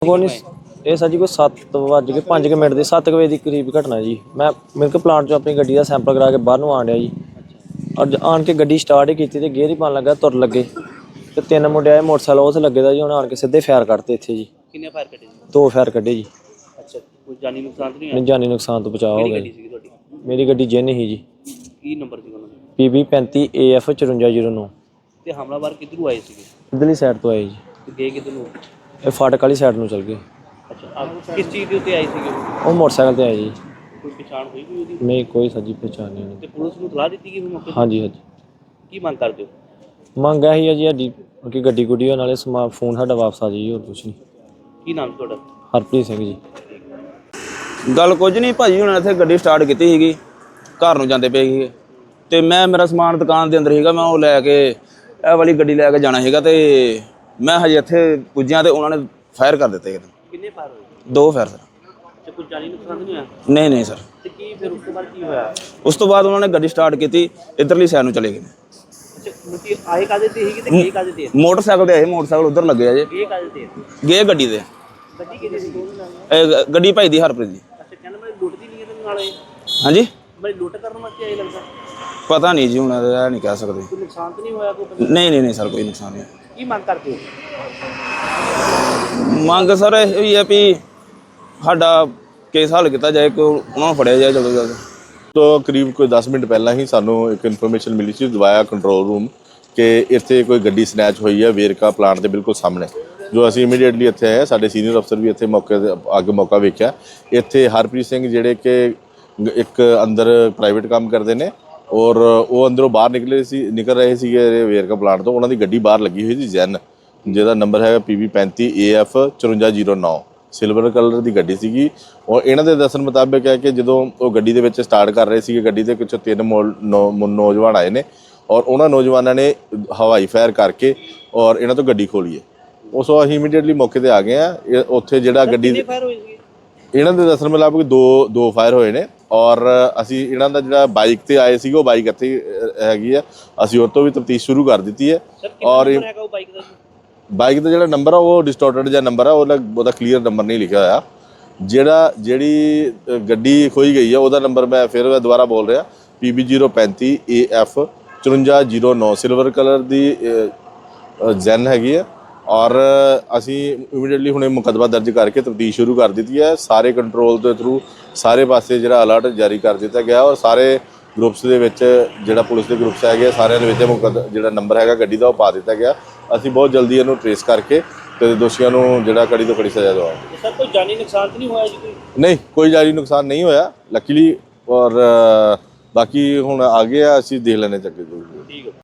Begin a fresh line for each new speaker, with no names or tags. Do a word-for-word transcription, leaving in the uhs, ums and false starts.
ਕੋਈ ਨਹੀਂ ਇਹ ਸਰ ਜੀ ਕੋਈ ਸੱਤ ਵੱਜ ਕੇ ਪੰਜ ਕੁ ਮਿੰਟ ਦੇ ਸੱਤ ਕੁ ਵਜੇ ਦੇ ਕਰੀਬ ਘਟਨਾ ਜੀ। ਮੈਂ ਮਿਲਕ ਪਲਾਂਟ ਚੋਂ ਆਪਣੀ ਗੱਡੀ ਦਾ ਸੈਂਪਲ ਕਰਾ ਕੇ ਬਾਹਰ ਨੂੰ ਆਣ ਡਿਆ ਜੀ। ਅੱਜ ਆਣ ਕੇ ਗੱਡੀ ਸਟਾਰਟ ਹੀ ਕੀਤੀ ਤੇ ਗੇਅਰ ਹੀ ਪਾਉਣ ਲੱਗਾ, ਤੁਰ ਲੱਗੇ ਤੇ ਤਿੰਨ ਮੁੰਡੇ ਆਏ ਮੋਟਰਸਾਈਕਲ ਉਸ ਲੱਗੇ ਦਾ ਜੀ। ਉਹਨਾਂ ਆਣ ਕੇ ਸਿੱਧੇ ਫਾਇਰ ਕੱਢਤੇ ਇੱਥੇ ਜੀ।
ਕਿੰਨੇ ਫਾਇਰ ਕੱਢੇ ਜੀ?
ਦੋ ਫਾਇਰ ਕੱਢੇ ਜੀ।
ਅੱਛਾ, ਕੋਈ ਜਾਨੀ ਨੁਕਸਾਨ ਤਾਂ ਨਹੀਂ
ਨਹੀਂ,
ਹੋਇਆ?
ਜਾਨੀ ਨੁਕਸਾਨ ਤੋਂ ਬਚਾਅ ਹੋ ਗਿਆ
ਗੱਡੀ ਸੀਗੀ ਤੁਹਾਡੀ?
ਮੇਰੀ ਗੱਡੀ ਜਿੰਨ ਹੀ ਜੀ।
ਕੀ ਨੰਬਰ ਸੀ ਉਹਨਾਂ ਦਾ?
ਪੀ ਬੀ ਪੈਂਤੀ ਏ ਐਫ ਚੁਰੰਜਾ ਜ਼ੀਰੋ ਨੌ।
ਤੇ ਹਮਲਾਵਰ ਕਿੱਧਰੋਂ ਆਏ ਸੀਗੇ?
ਇੱਧਰਲੀ ਸਾਈਡ ਤੋਂ ਆਏ ਜੀ।
ਤੇ ਗਏ ਕਿੱਧਰ ਨੂੰ?
ਇਹ ਫਾਟਕ ਵਾਲੀ ਸਾਈਡ ਨੂੰ ਚਲ ਗਏ।
ਅੱਛਾ, ਆਪ ਕਿਸ ਚੀਜ਼ ਦੇ ਉੱਤੇ ਆਏ ਸੀਗੇ ਉਹ?
ਉਹ ਮੋਟਰਸਾਈਕਲ ਤੇ ਆਏ ਜੀ।
ਕੋਈ ਪਛਾਣ ਹੋਈ ਕੋਈ ਉਹਦੀ?
ਨਹੀਂ, ਕੋਈ ਸੱਜੀ ਪਛਾਣ ਨਹੀਂ।
ਤੇ ਪੁਲਿਸ ਨੂੰ ਸਲਾਹ ਦਿੱਤੀ ਗਈ ਮੌਕੇ ਤੇ?
ਹਾਂਜੀ ਹਾਂਜੀ।
ਕੀ ਮੰਗ ਕਰਦੇ ਹੋ?
ਮੰਗ ਇਹੀ ਹੈ ਜੀ ਸਾਡੀ ਕਿ ਗੱਡੀ ਗੁੱਡੀ ਹੋਣ ਨਾਲੇ ਸਮਾ ਫੋਨ ਸਾਡਾ ਵਾਪਸ ਆ ਜਾਈ, ਹੋਰ ਕੁਛ ਨਹੀਂ।
ਕੀ ਨਾਮ ਤੁਹਾਡਾ?
ਹਰਪ੍ਰੀਤ ਸਿੰਘ ਜੀ।
ਗੱਲ ਕੁਝ ਨਹੀਂ ਭਾਜੀ, ਹੁਣ ਇੱਥੇ ਗੱਡੀ ਸਟਾਰਟ ਕੀਤੀ ਸੀਗੀ, ਘਰ ਨੂੰ ਜਾਂਦੇ ਪਏ ਸੀਗੇ ਤੇ ਮੈਂ ਮੇਰਾ ਸਮਾਨ ਦੁਕਾਨ ਦੇ ਅੰਦਰ ਸੀਗਾ, ਮੈਂ ਉਹ ਲੈ ਕੇ ਇਹ ਵਾਲੀ ਗੱਡੀ ਲੈ ਕੇ ਜਾਣਾ ਸੀਗਾ ਤੇ ਮੈਂ ਹਜੇ ਇੱਥੇ ਪੁੱਜਿਆ ਤੇ ਉਹਨਾਂ ਨੇ ਫਾਇਰ ਕਰ ਦਿੱਤੇ।
ਕਿੰਨੇ ਫਾਇਰ ਹੋਏ?
ਦੋ ਫਾਇਰ ਸਰ।
ਤੇ ਕੋਈ ਜਾਨੀ ਨੁਕਸਾਨ ਤਾਂ ਨਹੀਂ ਹੋਇਆ?
ਨਹੀਂ ਨਹੀਂ ਸਰ।
ਤੇ ਕੀ ਫਿਰ ਉਸ ਤੋਂ ਬਾਅਦ ਕੀ ਹੋਇਆ?
ਉਸ ਤੋਂ ਬਾਅਦ ਉਹਨਾਂ ਨੇ ਗੱਡੀ ਸਟਾਰਟ ਕੀਤੀ, ਇੱਧਰਲੀ ਸਾਈਡ ਨੂੰ ਚਲੇ ਗਏ।
ਅੱਛਾ, ਮਤਲਬ ਆਏ ਕਾਹਦੇ ਤੇ ਸੀਗੇ ਤੇ ਗਏ ਕਾਹਦੇ ਤੇ?
ਮੋਟਰਸਾਈਕਲ ਤੇ ਆਏ, ਮੋਟਰਸਾਈਕਲ ਉੱਧਰ ਲੱਗੇ ਆ ਜੇ।
ਗਏ ਕਾਹਦੇ ਤੇ?
ਗਏ ਗੱਡੀ ਦੇ।
ਗੱਡੀ ਕਿਹਦੀ ਸੀ?
ਇਹ ਗ- ਗੱਡੀ ਭਾਈ ਦੀ ਹਰਪ੍ਰੀਤ ਦੀ।
ਅੱਛਾ, ਕਹਿੰਦਾ ਮੈਂ ਲੁੱਟਦੀ ਨਹੀਂ ਇਹਦੇ ਨਾਲ ਆਏ?
ਹਾਂਜੀ,
ਮੈਂ ਲੁੱਟ ਕਰਨ ਵਾਸਤੇ ਆਏ ਲੱਗਦਾ।
ਪਤਾ ਨਹੀਂ ਜੀ, ਹੁਣ ਇਹ ਨਹੀਂ ਕਹਿ ਸਕਦੇ।
ਕੋਈ ਨੁਕਸਾਨ ਤਾਂ ਨਹੀਂ ਹੋਇਆ ਕੋਈ ਬੰਦੇ ਦਾ?
ਨਹੀਂ ਨਹੀਂ ਨਹੀਂ ਸਰ, ਕੋਈ ਨੁਕਸਾਨ ਨਹੀਂ।
ਕੀ ਮੰਗ ਕਰਦੇ ਹੋ?
ਮੰਗ ਸਰ ਇਹ ਹੀ ਹੈ ਵੀ ਸਾਡਾ ਕੇਸ ਹੱਲ ਕੀਤਾ ਜਾਏ, ਕਿ ਉਹਨਾਂ ਨੂੰ ਫੜਿਆ ਜਾਏ ਜਲਦੀ ਜਲਦੀ।
ਤੋਂ ਕਰੀਬ ਕੋਈ ਦਸ ਮਿੰਟ ਪਹਿਲਾਂ ਹੀ ਸਾਨੂੰ ਇੱਕ ਇਨਫੋਰਮੇਸ਼ਨ ਮਿਲੀ ਸੀ ਦਵਾਇਆ ਕੰਟਰੋਲ ਰੂਮ ਕਿ ਇੱਥੇ ਕੋਈ ਗੱਡੀ ਸਨੈਚ ਹੋਈ ਹੈ ਵੇਰਕਾ ਪਲਾਂਟ ਦੇ ਬਿਲਕੁਲ ਸਾਹਮਣੇ। ਜੋ ਅਸੀਂ ਇਮੀਡੀਏਟਲੀ ਇੱਥੇ ਆਏ, ਸਾਡੇ ਸੀਨੀਅਰ ਅਫਸਰ ਵੀ ਇੱਥੇ ਮੌਕੇ ਤੇ ਅੱਗੇ ਮੌਕਾ ਵੇਖਿਆ। ਇੱਥੇ ਹਰਪ੍ਰੀਤ ਸਿੰਘ ਜਿਹੜੇ ਕਿ ਇੱਕ ਅੰਦਰ ਪ੍ਰਾਈਵੇਟ ਕੰਮ ਕਰਦੇ ਨੇ ਔਰ ਉਹ ਅੰਦਰੋਂ ਬਾਹਰ ਨਿਕਲੇ ਸੀ ਨਿਕਲ ਰਹੇ ਸੀਗੇ ਵੇਰਕਾ ਪਲਾਂਟ ਤੋਂ। ਉਹਨਾਂ ਦੀ ਗੱਡੀ ਬਾਹਰ ਲੱਗੀ ਹੋਈ ਸੀ ਜੈਨ, ਜਿਹਦਾ ਨੰਬਰ ਹੈਗਾ ਪੀ ਬੀ ਪੈਂਤੀ ਏ ਐਫ ਚੁਰੰਜਾ ਜ਼ੀਰੋ ਨੌ। ਸਿਲਵਰ ਕਲਰ ਦੀ ਗੱਡੀ ਸੀਗੀ ਔਰ ਇਹਨਾਂ ਦੇ ਦੱਸਣ ਮੁਤਾਬਕ ਹੈ ਕਿ ਜਦੋਂ ਉਹ ਗੱਡੀ ਦੇ ਵਿੱਚ ਸਟਾਰਟ ਕਰ ਰਹੇ ਸੀਗੇ, ਗੱਡੀ ਦੇ ਕੁਛ ਤਿੰਨ ਨੌਜਵਾਨ ਆਏ ਨੇ ਔਰ ਉਹਨਾਂ ਨੌਜਵਾਨਾਂ ਨੇ ਹਵਾਈ ਫਾਇਰ ਕਰਕੇ ਔਰ ਇਹਨਾਂ ਤੋਂ ਗੱਡੀ ਖੋਲੀ ਹੈ। ਉਸ ਤੋਂ ਅਸੀਂ ਇਮੀਡੀਏਟਲੀ ਮੌਕੇ ਤੇ ਆ ਗਏ ਆ। ਉੱਥੇ ਜਿਹੜਾ ਗੱਡੀ
ਕਿੰਨੇ ਫਾਇਰ ਹੋਏ ਸੀਗੇ?
ਇਹਨਾਂ ਦੇ ਦੱਸਣ ਮੁਤਾਬਕ ਦੋ ਦੋ ਫਾਇਰ ਹੋਏ ਨੇ ਔਰ ਅਸੀਂ ਇਹਨਾਂ ਦਾ ਜਿਹੜਾ ਬਾਈਕ ਤੇ ਆਏ ਸੀਗੇ ਉਹ ਬਾਈਕ ਇੱਥੇ ਹੈਗੀ ਆ, ਅਸੀਂ ਉਹ ਤੋਂ ਵੀ ਤਫਤੀਸ਼ ਸ਼ੁਰੂ ਕਰ ਦਿੱਤੀ ਹੈ। ਔਰ
ਹੈਗਾ ਉਹ ਬਾਈਕ ਦਾ?
ਬਾਈਕ ਦਾ ਜਿਹੜਾ ਨੰਬਰ ਆ ਉਹ ਡਿਸਟੋਰਟਡ ਜਿਹਾ ਨੰਬਰ ਆ, ਉਹਦਾ ਉਹਦਾ ਕਲੀਅਰ ਨੰਬਰ ਨਹੀਂ ਲਿਖਿਆ ਹੋਇਆ। ਜਿਹੜਾ ਜਿਹੜੀ ਗੱਡੀ ਖੋਈ ਗਈ ਆ ਉਹਦਾ ਨੰਬਰ ਮੈਂ ਫਿਰ ਮੈਂ ਦੁਬਾਰਾ ਬੋਲ ਰਿਹਾ, ਪੀ ਬੀ ਜ਼ੀਰੋ ਪੈਂਤੀ ਏ ਐਫ ਚੁਰੰਜਾ ਜ਼ੀਰੋ ਨੌ ਸਿਲਵਰ ਕਲਰ ਦੀ ਜੈਨ ਹੈਗੀ ਆ। ਔਰ ਅਸੀਂ ਇਮੀਡੀਏਟਲੀ ਹੁਣੇ ਮੁਕੱਦਮਾ ਦਰਜ ਕਰਕੇ ਤਫਤੀਸ਼ ਸ਼ੁਰੂ ਕਰ ਦਿੱਤੀ ਹੈ। ਸਾਰੇ ਕੰਟਰੋਲ ਦੇ ਥਰੂ ਸਾਰੇ ਪਾਸੇ ਜਿਹੜਾ ਅਲਰਟ ਜਾਰੀ ਕਰ ਦਿੱਤਾ ਗਿਆ ਔਰ ਸਾਰੇ ਗਰੁੱਪਸ ਦੇ ਵਿੱਚ ਜਿਹੜਾ ਪੁਲਿਸ ਦੇ ਗਰੁੱਪਸ ਹੈਗੇ ਸਾਰਿਆਂ ਦੇ ਵਿੱਚ ਮੁਕੱਦ ਜਿਹੜਾ ਨੰਬਰ ਹੈਗਾ ਗੱਡੀ ਦਾ ਉਹ ਪਾ ਦਿੱਤਾ ਗਿਆ। ਅਸੀਂ ਬਹੁਤ ਜਲਦੀ ਇਹਨੂੰ ਟਰੇਸ ਕਰਕੇ ਤੇ ਦੋਸ਼ੀਆਂ ਨੂੰ ਜਿਹੜਾ ਕੜੀ ਤੋਂ ਕੜੀ ਸਜ਼ਾ ਦਵਾਵਾਂਗੇ।
ਸਰ, ਕੋਈ ਜਾਨੀ ਨੁਕਸਾਨ ਤਾਂ ਨਹੀਂ ਹੋਇਆ ਜੀ? ਕੋਈ
ਨਹੀਂ, ਕੋਈ ਜਾਨੀ ਨੁਕਸਾਨ ਨਹੀਂ ਹੋਇਆ ਲੱਕੀਲੀ। ਔਰ ਬਾਕੀ ਹੁਣ ਆ ਗਏ ਆ, ਅਸੀਂ ਦੇਖ ਲੈਣੇ ਚੱਕੇ ਜੋ।
ਠੀਕ ਹੈ।